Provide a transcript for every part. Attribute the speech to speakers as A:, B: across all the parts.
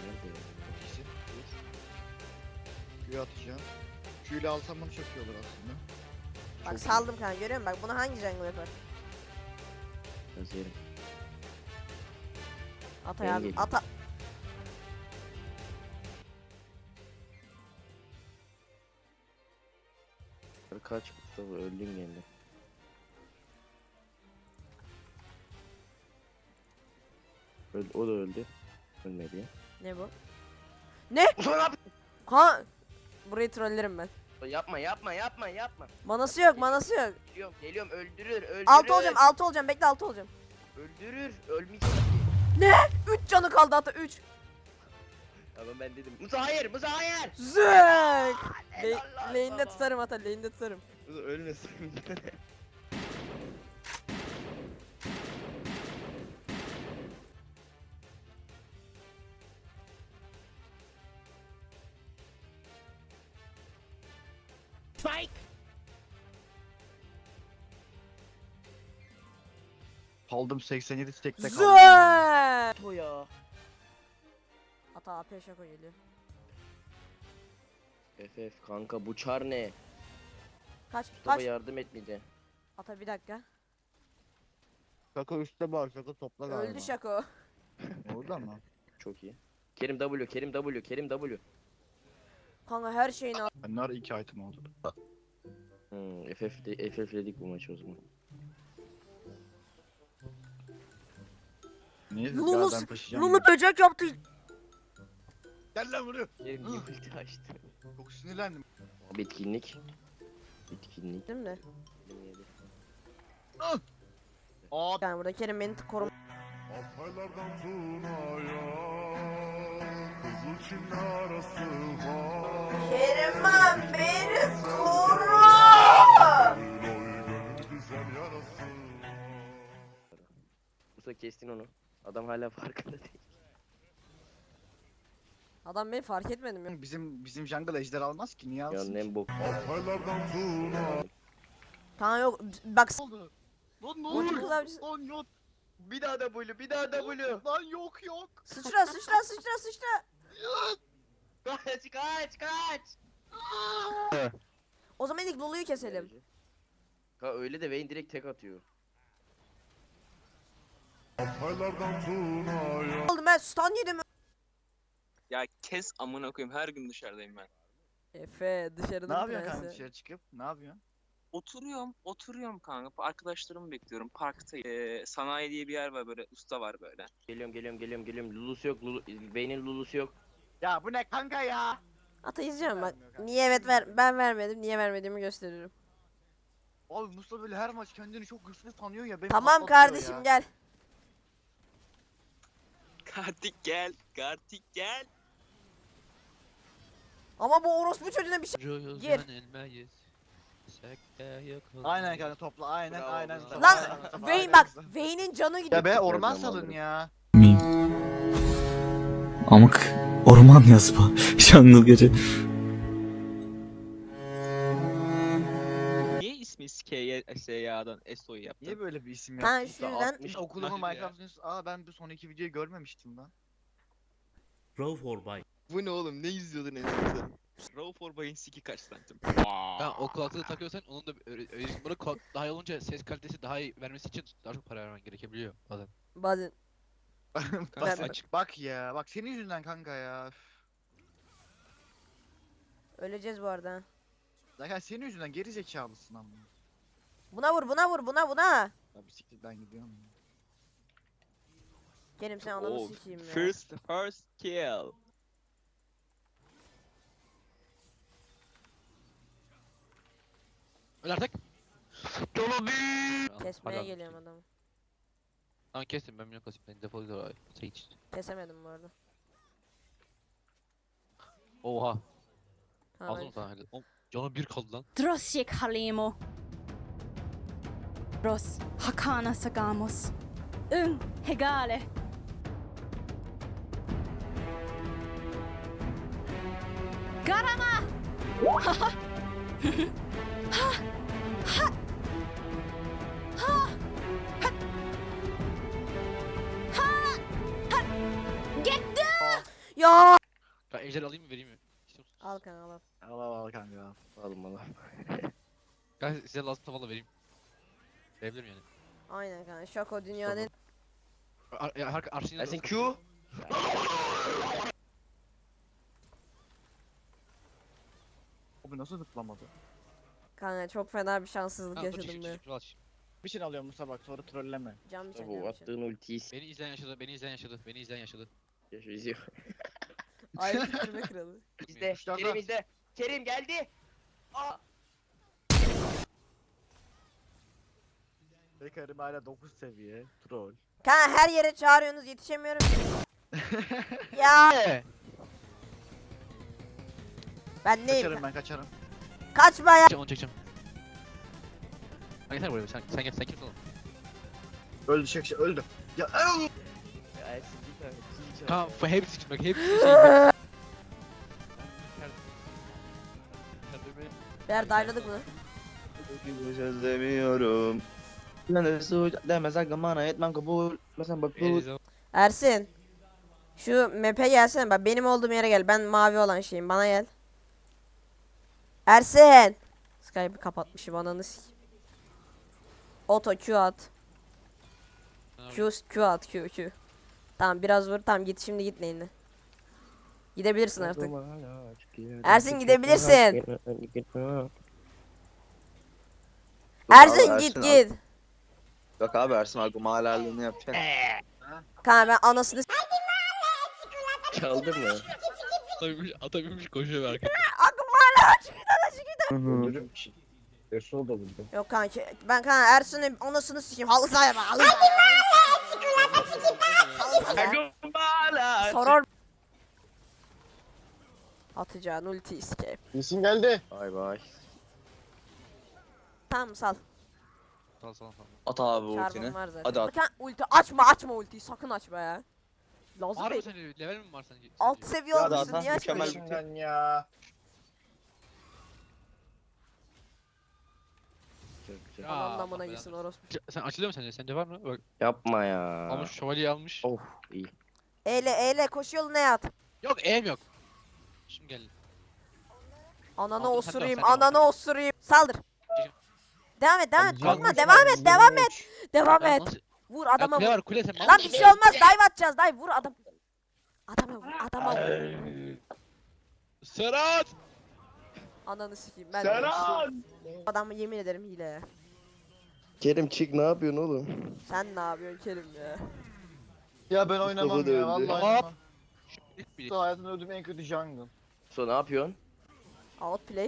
A: Nerede ya?
B: İkisi. Dur. Q'yu atacağım. Q ile alsam bunu çok iyi olur aslında.
C: Bak
A: Çok
C: saldım kanka, görüyor musun? Bak bunu hangi jungle yapar?
A: Biraz yerim.
C: Atay
A: Ben
C: abi
A: geliyorum.
C: ata.
A: Kaç Mustafa öldün gene. O da öldü. Ölmedi ya.
C: Ne bu? Ne? Ha! Burayı trollerim ben.
A: Yapma yapma yapma yapma.
C: Manası yok, manası yok.
A: Geliyorum geliyorum öldürür öldürür.
C: 6 olacağım, bekle 6 olacağım.
A: Öldürür ölmeyecek.
C: 3 canı kaldı ata 3.
A: Ama ben dedim. Musa hayır Musa hayır.
C: Zek!
A: Helal lan
C: Lane'de
A: sana.
C: tutarım ata, lane'de tutarım.
A: Musa ölmesin.
B: Kaldım 87 stack'te kaldım.
C: Zek!
A: Bu ya.
C: Ata AP şaka geliyor.
A: FF kanka bu çar ne?
C: Kaç,
A: Mustafa
C: kaç.
A: yardım etmeyecek.
C: Ata bir dakika.
B: Şaka üstte var. Şaka topla galiba.
C: Öldü şako.
B: Orada mı?
A: Çok iyi. Kerim W, Kerim W, Kerim W.
C: Kanka her şeyini al.
B: Bunlar 2 item oldu.
A: FF'ledik bu maçı o zaman.
B: Niye?
C: Lulu,
B: Ben taşıyacağım.
C: Lulu böcek yaptı.
B: Gel lan buraya.
A: Kerim niye ulti açtı?
B: Çok sinirlendim.
A: Abi etkinlik. Etkinlik.
C: Değil mi?
B: Aa.
C: Yani burada Kerim beni korum.
D: Altaylardan Tuna'ya Kızıl Çin arası var.
C: Kerim'im beni koru.
D: Oy gönül güzel yarası var.
A: Musa kestin onu. Adam hala farkında değil.
C: Adam beni fark etmedim ya.
B: Bizim jungle ejder almaz ki. Niye
A: Ya
B: alsın?
A: nem bok.
D: Altaylardan Tuna.
C: Kanka yok bak.
B: Ne oldu? Lan ne
C: Ulti
B: oluyor?
C: kız abicisi.
B: Lan yok.
A: Bir daha W, bir daha W.
B: Lan yok yok.
C: Sıçra sıçra sıçra sıçra.
A: Kaç kaç kaç.
C: O zaman ilk Lulu'yu keselim.
A: Ha öyle de Vayne direkt tek atıyor.
D: Altaylardan Tuna'ya
C: Oğlum ben stun yedim.
E: Ya kes amına koyayım, her gün dışarıdayım ben.
C: Efe
B: Ne
C: dışarıdan
B: yapıyorsun kanka
C: prensi.
B: dışarı çıkıp? Ne yapıyorsun?
E: Oturuyorum kanka. Arkadaşlarımı bekliyorum. Parktayım. Sanayi diye bir yer var, böyle usta var böyle.
A: Geliyorum. Lulusu yok. Vayne'in Lulusu yok.
B: Ya bu ne kanka ya?
C: Ata izliyorum bak.
B: Vermiyor kanka.
C: Niye evet ben vermedim. Niye vermediğimi gösteriyorum.
B: Abi Mustafa böyle her maç kendini çok güçlü sanıyor ya. Beni
C: Tamam
B: patlatıyor
C: kardeşim
B: ya.
C: gel.
E: Kartik gel. Kartik gel.
C: Ama bu orospu çocuğuna bir şey. Gir.
B: Aynen kanka topla aynen
A: Bravo,
B: aynen.
A: bravo.
B: Mustafa,
C: Lan
B: aynen Mustafa,
C: Vayne
B: aynen
C: bak.
B: Mustafa.
C: Vayne'in canı gidiyor.
B: Ya be orman
A: Zamanları.
B: salın ya.
F: Amık orman yazma şanlı gece.
E: Niye ismi SYA'dan SO'yu yaptın?
B: Niye böyle bir isim
C: Ha
B: yaptın?
C: şu yüzden.
B: Okulumu
E: Hadi ya.
B: Minecraft'ın ben bu son iki videoyu görmemiştim lan.
G: Row for buy.
A: Bu ne oğlum? Ne izliyordun en son sen?
E: Row for Bay'ın siki kaç santim?
H: Ha, o kulaklığı takıyorsan onun da bunu daha iyi olunca ses kalitesi daha iyi vermesi için daha çok para vermen gerekebiliyor bazen.
C: Bazen.
B: bak,
C: Ben-
B: bak ya bak senin yüzünden kanka ya. Üf.
C: Öleceğiz bu arada. ha.
B: Zaten senin yüzünden geri zekalısın ama.
C: Buna vur buna.
B: Ya bisiklet ben gidiyorum. ya.
C: Kerim sen ananı
E: Oh,
C: sikeyim ya.
E: first kill.
H: Öl artık.
C: Kesmeye
H: Hadi.
C: geliyorum adamı.
H: Tamam kestim ben milyon kasayım. Ben defol gidiyor abi. Sen hiç.
C: Kesemedim bu arada.
H: Oha.
C: Tamam,
H: Aldın mı sana hadi. Oğlum, canı bir kaldı lan.
I: Drosjek Halimo. Ros Hakana Sagamos. Hegale. Garama! Ha! Ha! Ha! Ha! Gitti!
C: Ya.
H: Ben ejder alayım mı vereyim mi? İstiyor musun?
C: Al kanka al.
B: Al kanka.
A: Alın bana.
H: Ben size lazım tavalla vereyim. Verebilirim yani.
C: Aynen kanka. Şako dünyanın.
H: Arşin'e
A: Ersin Q.
B: Abi nasıl zıplamadı?
C: Kanka çok fena bir şanssızlık yaşadım ya.
B: Bir şey alıyorum Musa bak sonra trolleme.
C: Cam
A: Bu
C: çekiyorum.
A: attığın ultiyi
H: Beni izleyen yaşadı, beni izleyen yaşadı, beni izleyen yaşadı.
A: izliyor.
C: Ayrı bitirme kralı.
A: İzle.
B: Kuşlarda.
A: Kerim izle. Kerim geldi. Aa.
B: Bekarim hala 9 seviye. Troll.
C: Kanka her yere çağırıyorsunuz yetişemiyorum. Ya. Ben neyim?
B: Kaçarım ben kaçarım.
C: Kaçma ya.
H: Onu çekeceğim. Yeter buraya, sen gel, sen kimsin oğlum?
B: Öldü şey öldü. Ya
A: Ersin bir tane. kill çal.
H: Tamam, bu hepsi için bak, hepsi şey.
C: Beyler dayladık mı?
F: Özlemiyorum. Demez hakkım bana etmem kabul. Mesela bak bu.
C: Ersin. Şu map'e gelsene bak benim olduğum yere gel. Ben mavi olan şeyim. Bana gel. Ersin. Skype'ı kapatmışım ananı s**. Auto Q at. Q at Q. Tamam biraz vur. Tamam git şimdi git lane'e. Gidebilirsin artık. Ersin gidebilirsin. Ersin git git.
F: Yok abi Ersin hakkım halalini yapacak.
C: Kanka ben anasını s**.
A: Çaldın mı?
H: Atabilmiş koşuyor arkada.
C: Aklım hala
B: öldürürüm ki. Ersoğlu da buldu.
C: Yok kanka ben kanka Ersin'in anasını s**eyim. Halı sahaya bak. Halı sahaya. Sorar. Atacağın ulti escape.
B: İyisin geldi.
A: Bay bay.
C: Tamam sal.
H: Sağ.
F: At abi
C: Çarpım
F: ultini.
C: var zaten.
F: Hadi at.
C: Kanka ulti açma ultiyi sakın açma ya. Lazım
H: Var mı
C: değil.
H: senin level mi var sence?
C: Alt seviye
F: Ya
C: olmuşsun
F: zaten
C: niye
F: mükemmel
C: açmıyorsun?
F: bir-
B: Şimdiden ya.
A: Çok güzel.
C: Aman
H: Allah
C: amına
H: belanı
C: gitsin
H: versin.
C: orospu.
H: Sen açılıyor mu sence? Sence var mı? Bak,
A: Yapma ya.
H: almış şövalyeyi almış.
A: Of iyi.
C: Eyle koş yoluna yat.
H: Yok, eğim yok. Şimdi gel.
C: Ananı
H: Aldım, sen de al,
C: osurayım,
H: sen de al.
C: ananı osurayım. Saldır. Devam et,
H: Güzel.
C: korkma, devam et. Devam
H: Ya
C: et.
H: nasıl?
C: Vur
H: Ya
C: adama
H: kule
C: vur.
H: var, kule sen mal
C: Lan bir
H: mısın?
C: şey olmaz, dive atacağız, dive vur adam. Adama vur.
H: Serhat!
C: Ananı sikeyim ben. Serhat! Adamı yemin ederim hile ya.
A: Kerim çık ne yapıyorsun oğlum?
C: Sen ne yapıyorsun Kerim ya?
B: Ya ben
A: Mustafa
B: oynamam
A: da
B: ya
A: öldü.
B: vallahi
H: Hop.
B: oynamam.
H: Bir-
B: Mustafa hayatımda öldüğüm en kötü jungle.
A: So ne yapıyorsun?
C: Outplay.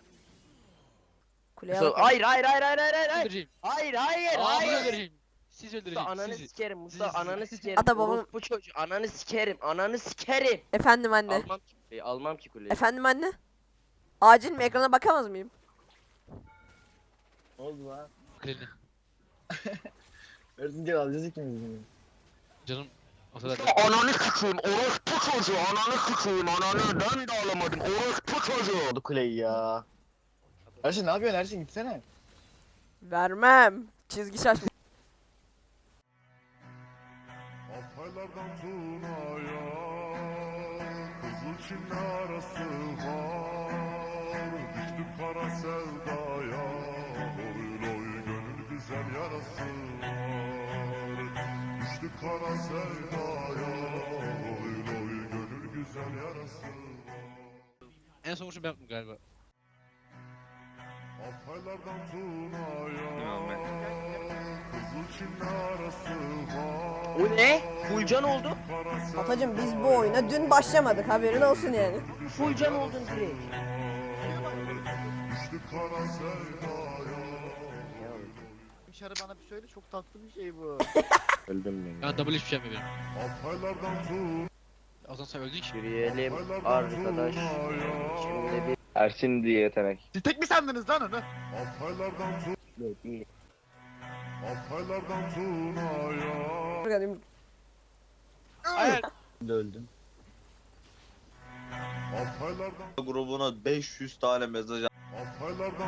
C: Kuleye
A: So,
C: bakalım.
A: hayır.
H: Öldüreceğim.
A: Hayır.
H: Aa, öldüreceğim. Siz
A: Mustafa
H: öldüreceğim.
A: ananı
H: Sizi.
A: sikerim Mustafa
H: Sizi.
A: ananı sikerim.
C: Ata babam-
A: Bu çocuğu ananı sikerim.
C: Efendim anne.
A: Almam ki kuleyi, almam ki kuleyi.
C: Efendim anne. Acil mi ekrana bakamaz mıyım?
B: Ne oldu lan?
H: Kuleni.
B: Ersin gel alacağız ikimiz de.
H: Canım. O kadar.
A: Ananı sikeyim orospu çocuğu ananı sikeyim ananı ben de alamadım orospu çocuğu.
B: Oldu kuleyi ya. Ersin ne yapıyorsun Ersin gitsene.
C: Vermem. Çizgi şaşma.
D: Altaylardan Tuna'ya Kızıl Çin'le arası var Düştüm kara sevdaya Oy oy gönül güzel yarası var Düştük kara sevdaya Oy oy gönül güzel yarası var
H: En son vuruşu ben yaptım galiba.
D: Altaylardan Tuna'ya Kızıl Çin'le arası var
A: O ne? Full oldu.
C: Atacım biz bu oyuna dün başlamadık haberin olsun yani.
A: Full oldun direkt.
D: Düştük kara sevdaya
B: Dışarı bana bir söyle çok tatlı bir şey bu.
A: Öldüm ben.
H: Ben double hiçbir şey yapmıyorum.
D: Altaylardan Tuna'ya
H: O zaman sen öldün ki.
A: Yürüyelim arkadaş. Şimdi bir
F: Ersin diye yetenek.
B: Siz tek mi sandınız lan onu?
D: Altaylardan
A: değil.
D: Altaylardan Tuna'ya
H: Hayır.
B: Öldüm.
D: Altaylardan
F: Grubuna 500 tane mesaj
D: Altaylardan